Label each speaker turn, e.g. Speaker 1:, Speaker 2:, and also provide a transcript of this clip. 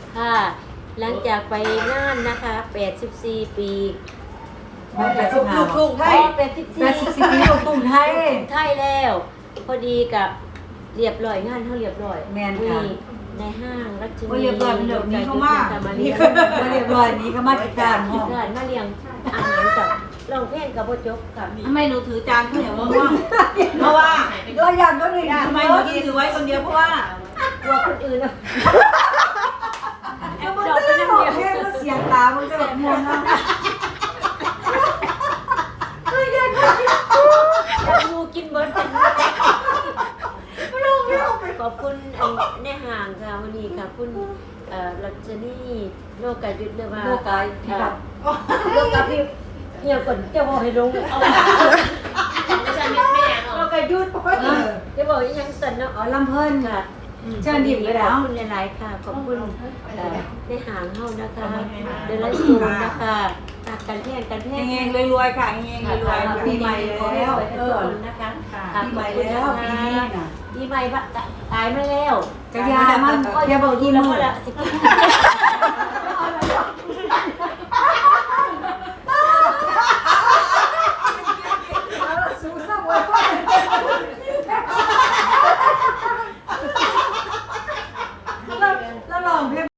Speaker 1: ค่ะหลังจากไปน่านนะคะ84 ปี
Speaker 2: ลูกทุ่งไทย
Speaker 1: 84
Speaker 2: ปีลูกทุ่งไทย
Speaker 1: ไทยแล้ว พอดีกับเรียบร้อยงานเขาเรียบร้อย
Speaker 2: แม่นค่ะ
Speaker 1: ในห้างรัชนี
Speaker 2: เรียบร้อยมันเดี๋ยวนี้เข้ามา
Speaker 1: มาเลี้ยง
Speaker 2: เรียบร้อยนี้เขามาจัดการห้อง
Speaker 1: มาเลี้ยงอาหารกับร้องเพลงกับโบจบกับ
Speaker 3: ทำไมหนูถือจานข้าวเหนียวมะม่วงเพราะว่า
Speaker 2: ก็ยันก็หนึ่ง
Speaker 3: ทำไมหนูถือไว้คนเดียวเพราะว่า
Speaker 1: กลัวคนอื่นนะ
Speaker 2: ก็มันจะได้บอกแค่ก็เสียงตามันจะแบบมวนนะ
Speaker 1: งูกินเบิร์ดขอบคุณในห่างค่ะวันนี้ค่ะคุณรัชนีโลกายุทธเรียกว่า
Speaker 2: โลกายพี่แบบ
Speaker 1: โลกาพี่เหี่ยวก่อนจะบอกให้ลงเอาไม่ใช่ไม่แน่โลกายุทธจะบอกยังสั่นเนาะ
Speaker 2: อ๋อลำเพิ่น
Speaker 1: ค่ะ
Speaker 2: เชิญดิบเลยแล้ว
Speaker 1: ขอบคุณหลายๆค่ะขอบคุณในห่างเฮานะคะเดินไล่ซูนนะคะการแพงการแพง
Speaker 2: เฮงๆรวยๆค่ะเฮงๆรวยๆปีใหม่แล้ว
Speaker 1: นะคะ
Speaker 2: ปีใหม่แล้วปีนี้น่ะ
Speaker 1: ปีใหม่ตายมาแล้ว
Speaker 2: กระยามัน
Speaker 1: ก็อย่าบอกยี่แล้วละ